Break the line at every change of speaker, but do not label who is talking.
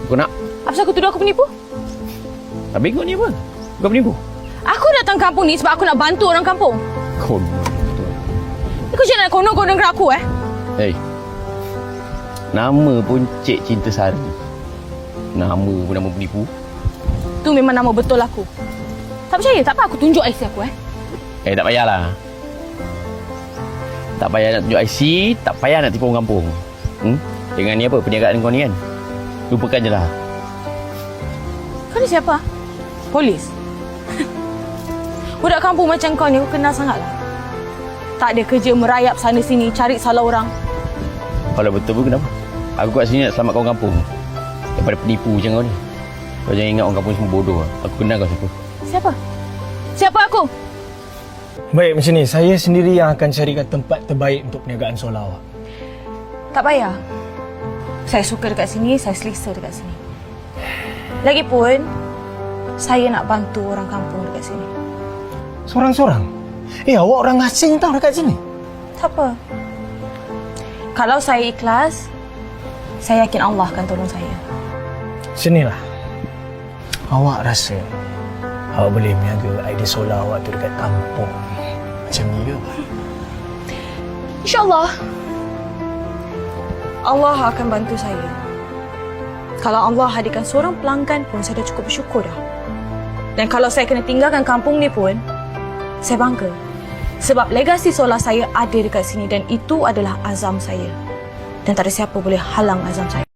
Kau nak?
Apa kau tuduh aku penipu?
Tak bengok ni apa? Kau penipu?
Aku datang kampung ni sebab aku nak bantu orang kampung.
Kau
Kau jangan nak konon-konon dengan aku,
Hei. Nama pun Cik Cinta Sari. Nama pun nama penipu.
Tu memang nama betul aku. Tak percaya? Tak apa aku tunjuk IC aku,
Tak payahlah. Tak payah nak tunjuk IC, tak payah nak tipu orang kampung. Dengan ni apa, perniagaan kau ni kan? Lupakan je lah.
Kau ni siapa? Polis? Budak kampung macam kau ni aku kenal sangatlah. Tak ada kerja merayap sana sini cari salah orang.
Kalau betul pun kenapa? Aku kat sini nak selamatkan orang kampung daripada penipu macam kau ni. Kau jangan ingat orang kampung semua bodoh. Aku kenal kau siapa.
Siapa? Siapa aku?
Baik, macam ni. Saya sendiri yang akan carikan tempat terbaik untuk perniagaan solar awak.
Tak payah. Saya suka dekat sini, saya selesa dekat sini. Lagipun, saya nak bantu orang kampung dekat sini.
Sorang-sorang? Awak orang asing tau dekat sini.
Tak apa. Kalau saya ikhlas, saya yakin Allah akan tolong saya.
Sinilah. Awak rasa awak boleh meniaga idea solar awak tu dekat kampung macam ni ke?
InsyaAllah. Allah akan bantu saya. Kalau Allah hadirkan seorang pelanggan pun, saya dah cukup bersyukur dah. Dan kalau saya kena tinggalkan kampung ni pun, saya bangga. Sebab legasi solar saya ada dekat sini dan itu adalah azam saya. Dan tak ada siapa boleh halang azam saya.